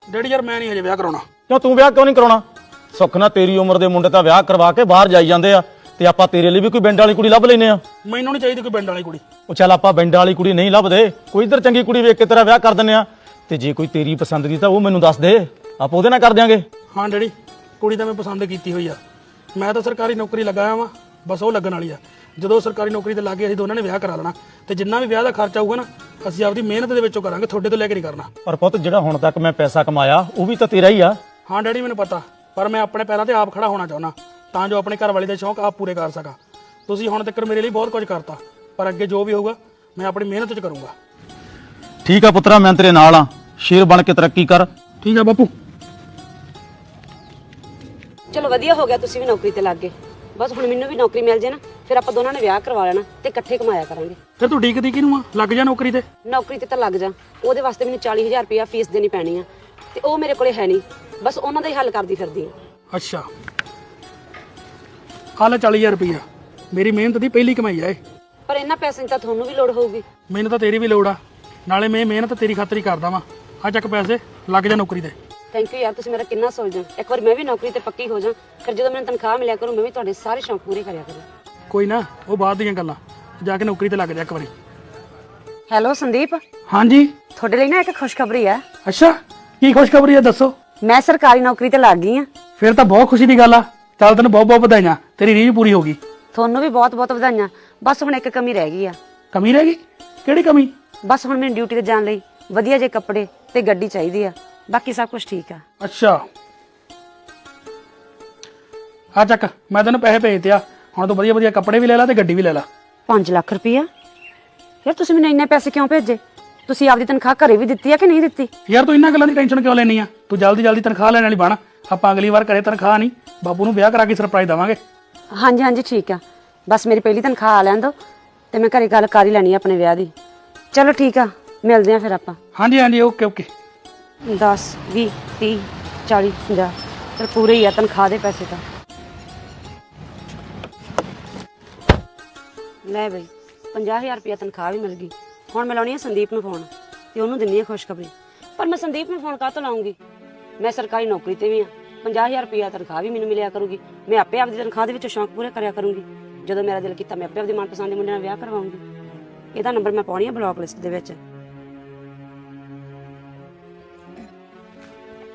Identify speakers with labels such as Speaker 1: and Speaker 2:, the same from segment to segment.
Speaker 1: Daddy ਯਾਰ ਮੈਂ ਨਹੀਂ ਹਜੇ ਵਿਆਹ ਕਰਾਉਣਾ।
Speaker 2: ਕਿਉਂ ਤੂੰ ਵਿਆਹ ਕਿਉਂ ਨਹੀਂ ਕਰਾਉਣਾ? ਸੁੱਖ ਨਾਲ ਤੇਰੀ ਉਮਰ ਦੇ ਮੁੰਡੇ ਤਾਂ ਵਿਆਹ ਕਰਵਾ ਕੇ ਬਾਹਰ ਜਾਈ ਜਾਂਦੇ ਆ ਤੇ ਆਪਾਂ ਤੇਰੇ ਲਈ ਵੀ ਕੋਈ ਪਿੰਡ ਵਾਲੀ ਕੁੜੀ ਲੱਭ ਲੈਨੇ ਆ।
Speaker 1: ਮੈਨੂੰ ਨਹੀਂ ਚਾਹੀਦੀ ਕੋਈ ਪਿੰਡ ਵਾਲੀ ਕੁੜੀ।
Speaker 2: ਉਹ ਚੱਲ ਆਪਾਂ ਪਿੰਡ ਵਾਲੀ ਕੁੜੀ ਨਹੀਂ ਲੱਭਦੇ, ਕੋਈ ਇੱਧਰ ਚੰਗੀ ਕੁੜੀ ਵੇਖ ਕੇ ਤੇਰਾ ਵਿਆਹ ਕਰ ਦਿੰਨੇ ਆ। ਤੇ ਜੇ ਕੋਈ ਤੇਰੀ ਪਸੰਦ ਦੀ ਤਾਂ ਉਹ ਮੈਨੂੰ ਦੱਸ ਦੇ, ਆਪਾਂ ਉਹਦੇ ਨਾਲ ਕਰ ਦਿਆਂਗੇ।
Speaker 1: ਹਾਂ ਡੈਡੀ, ਕੁੜੀ ਤਾਂ ਮੈਂ ਪਸੰਦ ਕੀਤੀ ਹੋਈ ਆ। ਮੈਂ ਤਾਂ ਸਰਕਾਰੀ ਨੌਕਰੀ ਲਗਾਇਆ ਵਾਂ, ਬਸ ਉਹ ਲੱਗਣ ਵਾਲੀ ਆ। ਜਦੋਂ ਸਰਕਾਰੀ ਨੌਕਰੀ ਤੇ ਲੱਗ ਗਏ ਅਸੀਂ ਦੋਨਾਂ ਨੇ ਵਿਆਹ ਕਰਾ ਲੈਣਾ ਤੇ ਜਿੰਨਾ ਵੀ ਵਿਆਹ ਦਾ ਖਰਚਾ ਆਊਗਾ ਨਾ ਅਸੀਂ ਆਪਦੀ ਮਿਹਨਤ ਦੇ ਵਿੱਚੋਂ ਕਰਾਂਗੇ, ਤੁਹਾਡੇ ਤੋਂ ਲੈ ਕੇ ਨਹੀਂ ਕਰਨਾ।
Speaker 2: ਪਰ ਪੁੱਤ ਜਿਹੜਾ ਹੁਣ ਤੱਕ ਮੈਂ ਪੈਸਾ ਕਮਾਇਆ ਉਹ ਵੀ ਤਾਂ ਤੇਰਾ ਹੀ ਆ।
Speaker 1: ਹਾਂ ਡੈਡੀ ਮੈਨੂੰ ਪਤਾ, ਪਰ ਮੈਂ ਆਪਣੇ ਪੈਰਾਂ ਤੇ ਆਪ ਖੜਾ ਹੋਣਾ ਚਾਹੁੰਦਾ ਤਾਂ ਜੋ ਆਪਣੇ ਘਰ ਵਾਲੇ ਦੇ ਸ਼ੌਂਕ ਆਪ ਪੂਰੇ ਕਰ ਸਕਾਂ। ਤੁਸੀਂ ਹੁਣ ਤੱਕ ਮੇਰੇ ਲਈ ਬਹੁਤ ਕੁਝ ਕਰਤਾ, ਪਰ ਅੱਗੇ ਜੋ ਵੀ ਹੋਊਗਾ ਮੈਂ ਆਪਣੀ ਮਿਹਨਤ 'ਚ ਕਰੂੰਗਾ।
Speaker 2: ਠੀਕ ਆ ਪੁੱਤਰਾ, ਮੈਂ ਤੇਰੇ ਨਾਲ ਆ। ਸ਼ੇਰ ਬਣ ਕੇ ਤਰੱਕੀ ਕਰ।
Speaker 1: ਠੀਕ ਆ ਬਾਪੂ।
Speaker 3: ਚਲੋ ਵਧੀਆ ਹੋ ਗਿਆ ਤੁਸੀਂ ਵੀ ਨੌਕਰੀ ਤੇ ਲੱਗ ਗਏ। ਬਸ ਹੁਣ ਮੈਨੂੰ ਵੀ ਨੌਕਰੀ ਮਿਲ ਜੇ ਨਾ, ਫਿਰ ਆਪਾਂ ਦੋਨਾਂ ਨੇ ਵਿਆਹ ਕਰਵਾ ਲੈਣਾ ਤੇ ਇਕੱਠੇ ਕਮਾਇਆ ਕਰਾਂਗੇ।
Speaker 1: ਫਿਰ ਤੂੰ ਡੀਕਦੀ ਕਿਹਨੂੰ ਆ? ਲੱਗ ਜਾ ਨੌਕਰੀ ਤੇ।
Speaker 3: ਨੌਕਰੀ ਤੇ ਤਾਂ ਲੱਗ ਜਾ, ਉਹਦੇ ਵਾਸਤੇ ਮੈਨੂੰ 40,000 ਰੁਪਇਆ ਫੀਸ ਦੇਣੀ ਪੈਣੀ ਆ ਤੇ ਉਹ ਮੇਰੇ ਕੋਲੇ ਹੈ ਨਹੀਂ, ਬਸ ਉਹਨਾਂ ਦਾ ਹੀ ਹੱਲ ਕਰਦੀ ਫਿਰਦੀ ਆ।
Speaker 1: ਅੱਛਾ, ਆਹ ਲੈ 40,000 ਰੁਪਈਆ, ਮੇਰੀ ਮਿਹਨਤ ਦੀ ਪਹਿਲੀ ਕਮਾਈ ਆ ਇਹ।
Speaker 3: ਪਰ ਇਹਨਾਂ ਪੈਸੇ ਦੀ ਤਾਂ ਤੁਹਾਨੂੰ ਵੀ ਲੋੜ ਹੋਊਗੀ।
Speaker 1: ਮੈਨੂੰ ਤਾਂ ਤੇਰੀ ਵੀ ਲੋੜ ਆ, ਨਾਲੇ ਮੈਂ ਮਿਹਨਤ ਤੇਰੀ ਖਾਤਰ ਹੀ ਕਰਦਾ ਵਾਂ। ਆ ਚੱਕ ਪੈਸੇ, ਲੱਗ ਜਾ ਨੌਕਰੀ ਤੇ।
Speaker 3: ਥੈਂਕ ਯੂ ਯਾਰ, ਤੁਸੀਂ ਮੇਰਾ ਕਿੰਨਾ ਸੋਚਦੇ ਹੋ। ਇੱਕ ਵਾਰ ਮੈਂ ਵੀ ਨੌਕਰੀ ਤੇ ਪੱਕੀ ਹੋ ਜਾ, ਫਿਰ ਜਦੋਂ ਮੈਨੂੰ ਤਨਖਾਹ ਮਿਲਿਆ ਕਰੂ ਮੈਂ ਵੀ ਤੁਹਾਡੇ ਸਾਰੇ ਸ਼ੌਂਕ ਪੂਰੇ ਕਰਿਆ ਕਰਾਂ।
Speaker 1: ਕੋਈ ਨਾ, ਉਹ ਬਾਅਦ ਦੀਆਂ ਗੱਲਾਂ, ਜਾ ਕੇ ਨੌਕਰੀ ਤੇ ਲੱਗ ਜਾ ਇੱਕ ਵਾਰੀ।
Speaker 3: ਹੈਲੋ ਸੰਦੀਪ,
Speaker 1: ਹਾਂਜੀ।
Speaker 3: ਤੁਹਾਡੇ ਲਈ ਨਾ ਇੱਕ ਖੁਸ਼ਖਬਰੀ ਆ।
Speaker 1: ਅੱਛਾ, ਕੀ ਖੁਸ਼ਖਬਰੀ ਆ ਦੱਸੋ।
Speaker 3: ਮੈਂ ਸਰਕਾਰੀ ਨੌਕਰੀ ਤੇ ਲੱਗ ਗਈ ਆ।
Speaker 1: ਫਿਰ ਤਾਂ ਬਹੁਤ ਖੁਸ਼ੀ ਦੀ ਗੱਲ ਆ। ਚੱਲ ਤੈਨੂੰ ਬਹੁਤ ਬਹੁਤ ਵਧਾਈਆਂ, ਤੇਰੀ ਰੀਝ ਪੂਰੀ ਹੋ ਗਈ।
Speaker 3: ਤੁਹਾਨੂੰ ਵੀ ਬਹੁਤ ਬਹੁਤ ਵਧਾਈਆਂ। ਬਸ ਹੁਣ ਇੱਕ ਕਮੀ ਰਹਿ ਗਈ ਆ।
Speaker 1: ਕਮੀ ਰਹਿ ਗਈ? ਕਿਹੜੀ ਕਮੀ?
Speaker 3: ਬਸ ਹੁਣ ਮੈਨੂੰ ਡਿਊਟੀ ਤੇ ਜਾਣ ਲਈ ਵਧੀਆ ਜਿਹੇ ਕੱਪੜੇ ਤੇ ਗੱਡੀ ਚਾਹੀਦੀ ਆ, ਬਾਕੀ ਸਭ ਕੁਝ ਠੀਕ ਆ।
Speaker 1: ਅੱਛਾ, ਆ ਚੱਕ, ਮੈਂ ਤੈਨੂੰ ਪੈਸੇ ਭੇਜਤੇ ਆ। ਹੁਣ ਤੂੰ ਵਧੀਆ ਵਧੀਆ ਕੱਪੜੇ ਵੀ ਲੈ ਲੈ ਤੇ ਗੱਡੀ ਵੀ ਲੈ ਲੈ।
Speaker 3: 5 ਲੱਖ ਰੁਪਇਆ? ਯਾਰ ਤੁਸੀਂ ਮੈਨੂੰ ਇੰਨੇ ਪੈਸੇ ਕਿਉਂ ਭੇਜੇ? ਤੁਸੀਂ ਆਪਦੀ ਤਨਖਾਹ ਘਰੇ ਵੀ ਦਿੱਤੀ ਆ ਕਿ ਨਹੀਂ ਦਿੱਤੀ?
Speaker 1: ਯਾਰ ਤੂੰ ਇਹਨਾਂ ਗੱਲਾਂ ਦੀ ਟੈਨਸ਼ਨ ਕਿਉਂ ਲੈਣੀ ਆ? ਤੂੰ ਜਲਦੀ ਜਲਦੀ ਤਨਖਾਹ ਲੈਣ ਵਾਲੀ ਬਣ। ਆਪਾਂ ਅਗਲੀ ਵਾਰ ਘਰੇ ਤਨਖਾਹ ਨਹੀਂ, ਬਾਪੂ ਨੂੰ ਵਿਆਹ ਕਰਾ ਕੇ ਸਰਪ੍ਰਾਈਜ਼ ਦੇਵਾਂਗੇ।
Speaker 3: ਹਾਂਜੀ ਹਾਂਜੀ ਠੀਕ ਆ, ਬਸ ਮੇਰੀ ਪਹਿਲੀ ਤਨਖਾਹ ਆ ਲੈਣ ਦਿਓ ਤੇ ਮੈਂ ਘਰੇ ਗੱਲ ਕਰ ਹੀ ਲੈਣੀ ਆ ਆਪਣੇ ਵਿਆਹ ਦੀ। ਚਲੋ ਠੀਕ ਆ, ਮਿਲਦੇ ਆ ਫਿਰ ਆਪਾਂ।
Speaker 1: ਹਾਂਜੀ ਹਾਂਜੀ, ਓਕੇ ਓਕੇ।
Speaker 3: 10 20 30 40 50 ਚਲ ਪੂਰੇ ਹੀ ਆ ਤਨਖਾਹ ਦੇ ਪੈਸੇ ਤਾਂ। ਲੈ ਬਈ 50,000 ਰੁਪਇਆ ਤਨਖਾਹ ਵੀ ਮਿਲ ਗਈ। ਹੁਣ ਮੈਂ ਲਾਉਣੀ ਆ ਸੰਦੀਪ ਨੂੰ ਫੋਨ ਤੇ ਉਹਨੂੰ ਦਿੰਨੀ ਆ ਖੁਸ਼ਖਬਰੀ। ਪਰ ਮੈਂ ਸੰਦੀਪ ਨੂੰ ਫੋਨ ਕਾਹਤੋਂ ਲਾਉਂਗੀ? ਮੈਂ ਸਰਕਾਰੀ ਨੌਕਰੀ ਤੇ ਵੀ ਆ, 50,000 ਰੁਪਇਆ ਤਨਖਾਹ ਵੀ ਮੈਨੂੰ ਮਿਲਿਆ ਕਰੂਗੀ। ਮੈਂ ਆਪੇ ਆਪਦੀ ਤਨਖਾਹ ਦੇ ਵਿੱਚੋਂ ਸ਼ੌਂਕ ਪੂਰੇ ਕਰਿਆ ਕਰੂੰਗੀ। ਜਦੋਂ ਮੇਰਾ ਦਿਲ ਕੀਤਾ ਮੈਂ ਆਪੇ ਆਪਦੀ ਮਨਪਸੰਦ ਦੇ ਮੁੰਡੇ ਨਾਲ ਵਿਆਹ ਕਰਵਾਉਂਗੀ। ਇਹਦਾ ਨੰਬਰ ਮੈਂ ਪਾਉਣੀ ਆ ਬਲੌਕ ਲਿਸਟ ਦੇ ਵਿੱਚ।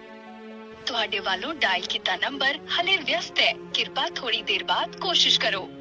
Speaker 4: ਤੁਹਾਡੇ ਵੱਲੋਂ ਡਾਇਲ ਕੀਤਾ ਨੰਬਰ ਹਲੇ ਵਿਅਸਤ ਹੈ, ਕਿਰਪਾ ਥੋੜੀ ਦੇਰ ਬਾਅਦ ਕੋਸ਼ਿਸ਼ ਕਰੋ।